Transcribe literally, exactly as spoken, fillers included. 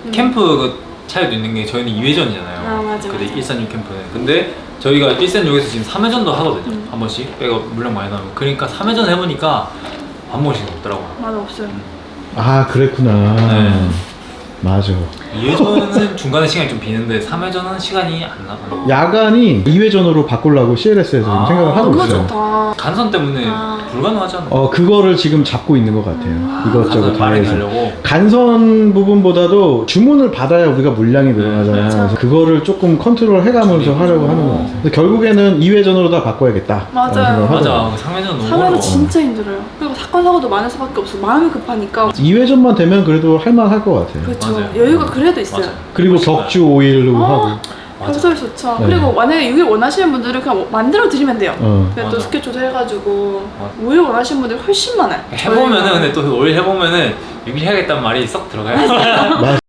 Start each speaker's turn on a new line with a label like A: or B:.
A: 캠프 그 차이도 있는 게 저희는 이 회전이잖아요.
B: 아, 맞아,
A: 근데
B: 맞아.
A: 일산육 캠프는. 근데 저희가 일산육에서 지금 삼 회전도 하거든요.
B: 음.
A: 한 번씩 백업 물량 많이 나오면. 그러니까 삼 회전 해보니까 밥 먹을 시간 없더라고요.
B: 맞아, 없어요.
C: 아 그랬구나.
A: 네.
C: 맞아.
A: 이 회전은 중간에 시간이 좀 비는데 삼 회전은 시간이 안 나.
C: 야간이 이 회전으로 바꾸려고 씨엘에스에서
A: 아,
C: 생각을 하고
B: 너무
C: 있어요.
B: 좋다.
A: 간선 때문에
B: 아.
A: 불가능하지 않나요?
C: 어 그거를 지금 잡고 있는 것 같아요. 이것저것
A: 간선
C: 다
A: 빠르게
C: 해서.
A: 하려고.
C: 간선 부분보다도 주문을 받아야 우리가 물량이 늘어나잖아요.
B: 네.
C: 그래서 그거를 조금 컨트롤 해가면서
A: 줄이고.
C: 하려고 하는 것 같아요. 근데 결국에는 이 회전으로 다 바꿔야겠다.
B: 맞아요.
C: 라는 생각을
A: 맞아.
C: 하더라고요.
A: 삼 회전 너무
B: 삼 회는
A: 어려워.
B: 진짜 힘들어요. 그리고 사건 사고도 많을 수밖에 없어. 마음이 급하니까.
C: 이 회전만 되면 그래도 할만할 것 같아요.
B: 그렇죠.
A: 맞아요.
B: 여유가 그래도 있어요.
A: 맞아요.
C: 그리고
A: 훨씬
C: 격주 오 일로
B: 아.
C: 하고.
A: 맞아.
B: 평소에 좋죠.
C: 네.
B: 그리고 만약에 육 일 원하시는 분들은 그냥 만들어 드리면 돼요.
C: 어.
B: 그냥 또
A: 맞아.
B: 스케줄 조절해가지고
A: 맞아.
B: 오 일 원하시는 분들이 훨씬 많아요.
A: 해보면은
B: 저희가.
A: 근데 또 올 해보면은 육 일 해야겠다는 말이 썩 들어가요.
C: 맞